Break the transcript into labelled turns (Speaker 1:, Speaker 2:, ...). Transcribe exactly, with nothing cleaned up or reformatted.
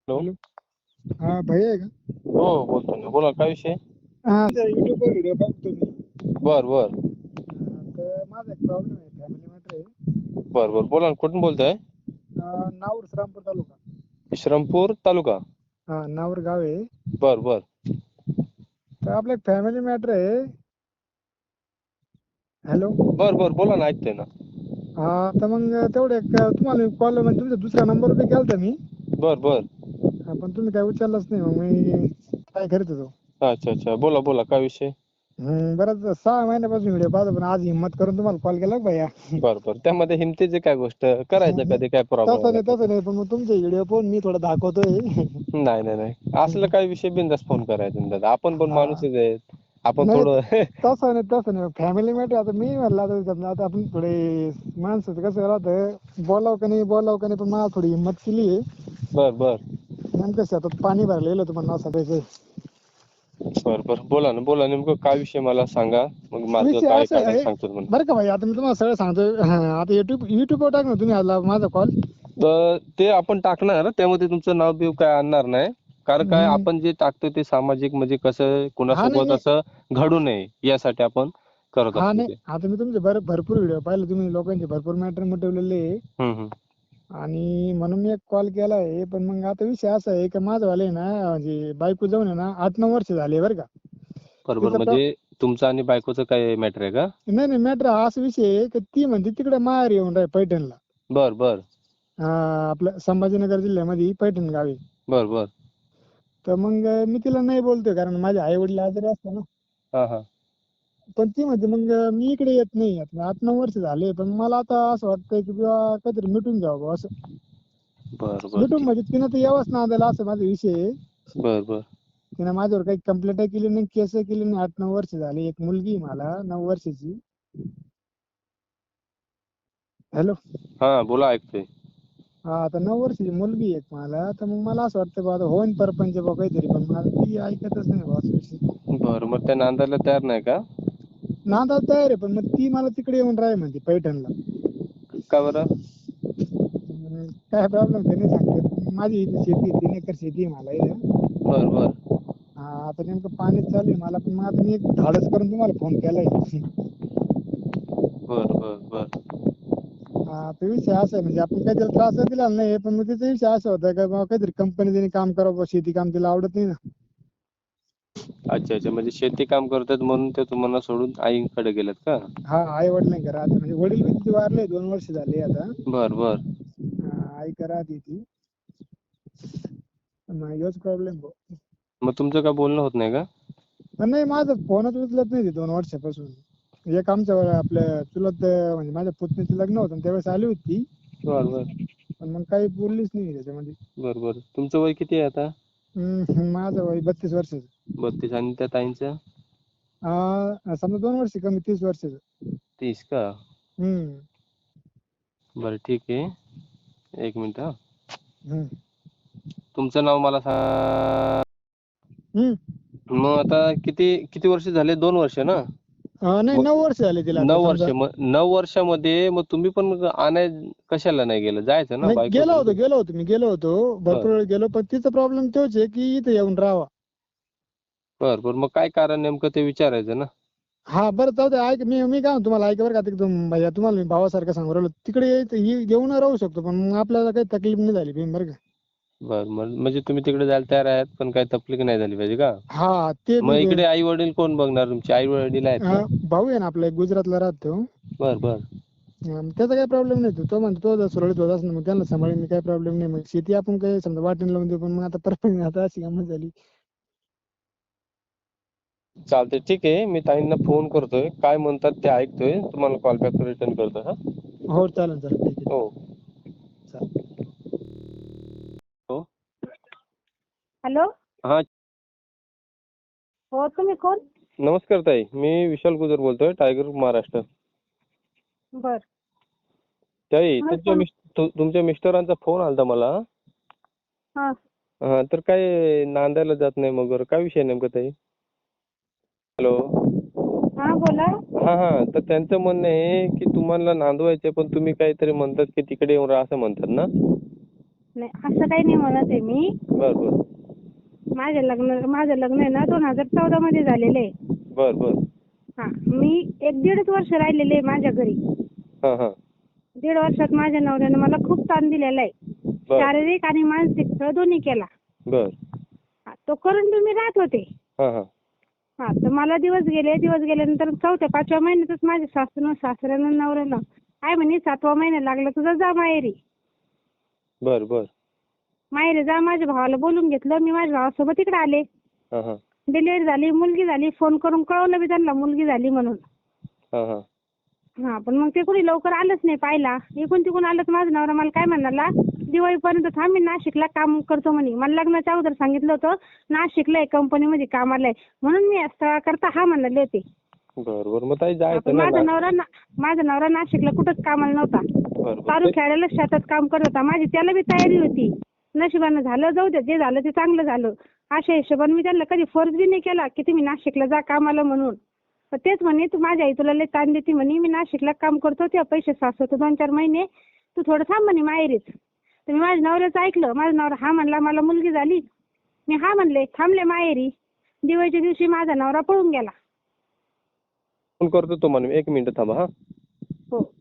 Speaker 1: Hello.
Speaker 2: Hello. हा भैया आहे का?
Speaker 1: हो बोलतो ना, बोला काय विषय.
Speaker 2: हा युट्यूबवर व्हिडिओ बघतो मी.
Speaker 1: बर बर
Speaker 2: हा, तर माझा एक प्रॉब्लेम आहे, फॅमिली मॅटर आहे.
Speaker 1: बर बर बोला ना, कुठून बोलताय?
Speaker 2: अं, नाऊर श्रामपूर तालुका.
Speaker 1: श्रीरामपूर तालुका.
Speaker 2: हा नाऊर गाव आहे.
Speaker 1: बर बर
Speaker 2: तर आपलं एक फॅमिली मॅटर आहे. हॅलो.
Speaker 1: बर बर बोला ना, ऐकतोय ना.
Speaker 2: हा तर मग तेवढे एक तुम्हाला कॉल म्हणजे तुमच्या दुसऱ्या नंबर बी केलता मी.
Speaker 1: बर बर
Speaker 2: हा, पण तुम्ही काय उचललाच नाही, मग मी काय करत होतो.
Speaker 1: अच्छा अच्छा, बोला बोला काय विषय.
Speaker 2: हम्म बरंच सहा महिन्यापासून व्हिडिओ पाहतो, पण आज हिंमत करून तुम्हाला कॉल केला भैया.
Speaker 1: बर बर त्यामध्ये हिमतीची काय गोष्ट, करायचं कधी काय प्रॉब्लेम
Speaker 2: तसं
Speaker 1: आला
Speaker 2: नाही
Speaker 1: तर.
Speaker 2: तसं नाही, पण मग तुमचे व्हिडिओ पाहून मी थोडं दाखवतोय.
Speaker 1: नाही नाही नाही, असलं काही विषय बिंदास फोन करायचा दादा, आपण पण
Speaker 2: हा
Speaker 1: माणूसच आहेत. आपण
Speaker 2: नाही
Speaker 1: थोडं
Speaker 2: तसं नाही तसं नाही, फॅमिली मॅटर आता मी म्हणलं आता समजा आता आपण थोडे माणसाचं कसं राहतं, बोलावं का नाही बोलावं का नाही, पण मला थोडी हिंमत केली आहे.
Speaker 1: बर बर
Speaker 2: नेमकं शेतात पाणी भरलेलं होतं, म्हणून असं काही
Speaker 1: बर बर बोला ना, बोला नेमकं काय विषय मला सांगा, मग मार्ग
Speaker 2: विषय
Speaker 1: काय
Speaker 2: असं
Speaker 1: काढायला
Speaker 2: आहे
Speaker 1: सांगतो तुम्हाला.
Speaker 2: बरं का भाई, आता मी तुम्हाला सगळं सांगतो. आता युट्यूब युट्यूबवर टाकणार तुम्ही आला माझा कॉल.
Speaker 1: तर ते आपण टाकणार, त्यामध्ये तुमचं नाव बिव काय आणणार नाही. कारण काय
Speaker 2: हम्म.
Speaker 1: आपण जे टाकतो ते सामाजिक, म्हणजे कसं
Speaker 2: हा नाही
Speaker 1: कुणासोबत
Speaker 2: नाही
Speaker 1: असं घडू नये यासाठी आपण करत
Speaker 2: हा
Speaker 1: असतो
Speaker 2: नाही,
Speaker 1: ते.
Speaker 2: आता मी तुमचे भर भरपूर व्हिडिओ पाहिले, तुम्ही लोकांचे भरपूर मॅटर मिटवलेले आहे.
Speaker 1: हम्म हम्म
Speaker 2: आणि म्हणून मी एक कॉल केला आहे. पण मग आता विषय असा आहे की माझं वाले ना, म्हणजे बायको जाऊन आहे ना आठ नऊ वर्ष झाले बरं का.
Speaker 1: बरोबर,
Speaker 2: तिचा प्र
Speaker 1: म्हणजे तुमचं आणि बायकोचं काय मॅटर आहे का?
Speaker 2: नाही नाही मॅटर हा असा विषय आहे की ती म्हणते तिकडे माहेर येऊन राह पैठणला.
Speaker 1: बर बर
Speaker 2: हा आपलं संभाजीनगर जिल्ह्यामध्ये पैठण गावी.
Speaker 1: बर बर
Speaker 2: तर मग मी तिला नाही बोलतोय, कारण माझे आई वडील आजारी असतात ना.
Speaker 1: हा हा
Speaker 2: पण ती म्हणते मग मी इकडे येत नाही, आता आठ नऊ वर्ष झाले. पण मला आता असं वाटतंय की बुवा काहीतरी मिटून घ्यावं बुवा असं.
Speaker 1: बर बर
Speaker 2: मिटून
Speaker 1: ठीक.
Speaker 2: म्हणजे तिनं तर यावंच नांदायला, असं माझा विषय आहे.
Speaker 1: बर बर
Speaker 2: तिनं माझ्यावर काही कंप्लेंट केली नाही, केस केली नाही. आठ नऊ वर्ष झाली. एक मुलगी आहे मला नऊ वर्षाची. हॅलो.
Speaker 1: हा बोला, ऐकतोय.
Speaker 2: हा आता नऊ वर्षाची मुलगी आहे मला. तर मग मला असं वाटतं बा आता होईन परपंच बा काहीतरी, पण मला ती ऐकतच नाही बा असं विषय.
Speaker 1: बरं, मग त्या नांदायला तयार नाही का?
Speaker 2: नांदायला तयार आहे, पण मग ती मला तिकडे येऊन राह म्हणते पैठणला.
Speaker 1: का बरं?
Speaker 2: हम्म, काय प्रॉब्लेम ते नाही सांगता येत. माझी इथे शेती तीन एकर शेती आहे मला इथं.
Speaker 1: बर बर
Speaker 2: हा आता नेमकं पाणीच चालू आहे मला, पण मग आता मी एक धाडस करून तुम्हाला फोन केलाय.
Speaker 1: बर बर बर
Speaker 2: हा तो विषय असा आहे, म्हणजे आपण काही त्याला त्रास दिला नाही, पण मग त्याचा विषय असा होता का बाबा काहीतरी कंपनी काम करावं, शेती काम तिला आवडत नाही ना.
Speaker 1: अच्छा अच्छा, म्हणजे शेती काम करतात म्हणून ते तुम्हाला सोडून आईकडे गेलेत का?
Speaker 2: हा आई वडिलांकडे राहते, म्हणजे वडील बी तिचे वारले दोन वर्ष झाले आता.
Speaker 1: बर बर
Speaker 2: हा आई कडे राहते ती. मग ह्योच प्रॉब्लेम आहे.
Speaker 1: मग तुमचं काय बोलणं होत नाही का?
Speaker 2: नाही माझं फोनच उचलत नाही ती दोन वर्षापासून. एक आमच्या आपल्या चुलत म्हणजे माझ्या पुतणीचं लग्न होतं त्यावेळेस आली होती.
Speaker 1: बर बर
Speaker 2: पण मग काही बोललीच नाही त्याच्यामध्ये.
Speaker 1: बर बर तुमचं वय किती आहे आता?
Speaker 2: हम्म माझं वय बत्तीस वर्षाचं.
Speaker 1: बत्तीस आणि त्या ताईंचं?
Speaker 2: अं समजा दोन वर्ष कमी तीस वर्षाचं.
Speaker 1: तीस का?
Speaker 2: हम्म
Speaker 1: बरं ठीक आहे, एक मिनिट हा.
Speaker 2: हम्म
Speaker 1: तुमचं नाव मला सांगा.
Speaker 2: हम्म
Speaker 1: मग आता किती किती वर्ष झाले? दोन वर्ष ना?
Speaker 2: अं, नाही
Speaker 1: मग
Speaker 2: नऊ वर्ष झाले तिला आता
Speaker 1: नऊ वर्ष,
Speaker 2: समजा.
Speaker 1: मग नऊ वर्षामध्ये मग तुम्ही पण आणाय कशाला नाही गेलं? जायचं ना
Speaker 2: नाही
Speaker 1: बायको
Speaker 2: गेलो
Speaker 1: घेऊन.
Speaker 2: होतो गेलो होतो मी गेलो होतो
Speaker 1: बर
Speaker 2: भरपूर वेळ गेलो, पण तिचा प्रॉब्लेम तोच आहे की इथे येऊन राहावा.
Speaker 1: बर बर मग काय कारण नेमकं ते विचारायचं ना.
Speaker 2: हा बरं जाऊ द्या. ऐक मी मी काय म्हणतो तुम्हाला, ऐका बरं का एकदम भैय्या तुम्हाला मी भावासारखं सांगू राहिलो. तिकडे येऊन राहू शकतो, पण मग आपल्याला काही तकलीफ नाही झाली पाहिजे बरं का.
Speaker 1: बर म्हणजे तुम्ही तिकडे जायला तयार आहेत, पण काही तकलीफ नाही झाली पाहिजे का?
Speaker 2: हा ते
Speaker 1: मग
Speaker 2: बी
Speaker 1: इकडे आई वडील कोण बघणार तुमचे? आई वडील आहेत ना?
Speaker 2: अं, भाऊ आहे ना आपला एक गुजरातला राहतो.
Speaker 1: बर बर
Speaker 2: त्याचा काही प्रॉब्लेम नाही. तो म्हणतो तो सुरळीत होत असेल मग त्यांना सांभाळीन मी, काही प्रॉब्लेम नाही. मग शेती आपण काही समजा वाटणी लावून देऊ, पण मग आता परत आता अशी गंमत झाली.
Speaker 1: चालतंय ठीक आहे, मी ताईंना फोन करतोय. काय म्हणतात ते ऐकतोय. तुम्हाला कॉल बॅक रिटर्न करतोय हा.
Speaker 2: हो चालेल चालेल ठीक आहे.
Speaker 1: हो
Speaker 2: चालेल.
Speaker 1: हो
Speaker 3: हॅलो.
Speaker 1: हा
Speaker 3: हो तुम्ही कोण?
Speaker 1: नमस्कार ताई, मी विशाल गुजर बोलतोय, टायगर महाराष्ट्र.
Speaker 3: बर
Speaker 1: ताई
Speaker 3: तुम्ही
Speaker 1: तुमच्या
Speaker 3: कोण?
Speaker 1: मिस तुमच्या मिस्टरांचा फोन आलता मला.
Speaker 3: हा
Speaker 1: हा तर काय नांदायला जात नाही मग, काय विषय नेमका ताई? हॅलो.
Speaker 3: हा बोला.
Speaker 1: हा हा तर त्यांचं म्हणणं आहे की तुम्हाला नांदवायचं, पण तुम्ही काहीतरी म्हणतात की तिकडे येऊन राहा असं म्हणतात ना.
Speaker 3: नाही असं काही नाही म्हणत आहे मी.
Speaker 1: बर बर
Speaker 3: माझे लग्न माझं लग्न आहे ना दोन हजार चौदा मध्ये झालेलं आहे.
Speaker 1: बर बर
Speaker 3: हा मी एक दीडच वर्ष राहिलेले आहे माझ्या घरी.
Speaker 1: हा हा
Speaker 3: दीड वर्षात माझ्या नवऱ्यानं मला खूप ताण दिलेला आहे.
Speaker 1: बर
Speaker 3: शारीरिक आणि मानसिक छळ दोन्ही केला.
Speaker 1: बर
Speaker 3: हा, तो करून तुम्ही राहत होते.
Speaker 1: हा हा
Speaker 3: हा तर मला दिवस गेले दिवस गेल्यानंतर चौथ्या पाचव्या महिन्यातच माझ्या सासूनं सासऱ्यानं नवऱ्यानं काय म्हणे सातवा महिना लागला तुझा जा माहेरी.
Speaker 1: बर बर
Speaker 3: माहेरी जा माझ्या भावाला बोलून घेतलं. मी माझ्या भावासोबत इकडे आले.
Speaker 1: हा हा
Speaker 3: डिलिव्हरी झाली मुलगी झाली. फोन करून कळवलं बी त्यांना मुलगी झाली म्हणून.
Speaker 1: हा हा
Speaker 3: हा पण मग ते कोणी लवकर आलंच नाही पाहिला. इकडून तिकडून आलं तर माझा नवरा मला काय म्हणाला दिवाळीपर्यंत थांब मी नाशिकला काम करतो म्हणे. मला लग्नाच्या अगोदर सांगितलं होतं नाशिकला आहे कंपनीमध्ये कामाला आहे म्हणून मी करता हा म्हणाले होते.
Speaker 1: बर बर मग ताई
Speaker 3: पण
Speaker 1: जायचं ना
Speaker 3: माझा
Speaker 1: ना-
Speaker 3: नवरा ना- माझा नवरा नाशिकला कुठंच कामाला नव्हता.
Speaker 1: बर बर
Speaker 3: चालू खेळायला शेतात काम करत होता. माझी त्याला बी तयारी होती. नशिबानं झालं जाऊ दे जे झालं ते चांगलं झालं अशा हिशोबाने मी त्यांना कधी फोर्स बी नाही केला की तुम्ही नाशिकला जा कामाला म्हणून. पण तेच म्हणे तू माझी आई तुला लय ताण देते म्हणे मी नाशिकला काम करतो ते पैसे साचवतो दोन चार महिने तू थोडं थांब म्हणे माहेरीच. तर मी माझ्या नवऱ्याचं ऐकलं. माझा नवरा हा म्हणला मला मुलगी झाली. मी हा म्हणले थांबले माहेरी. दिवाळीच्या दिवशी माझा नवरा पळून गेला.
Speaker 1: फोन करतो तुम्हाला मी. एक मिनिट थांबा हा.
Speaker 3: हो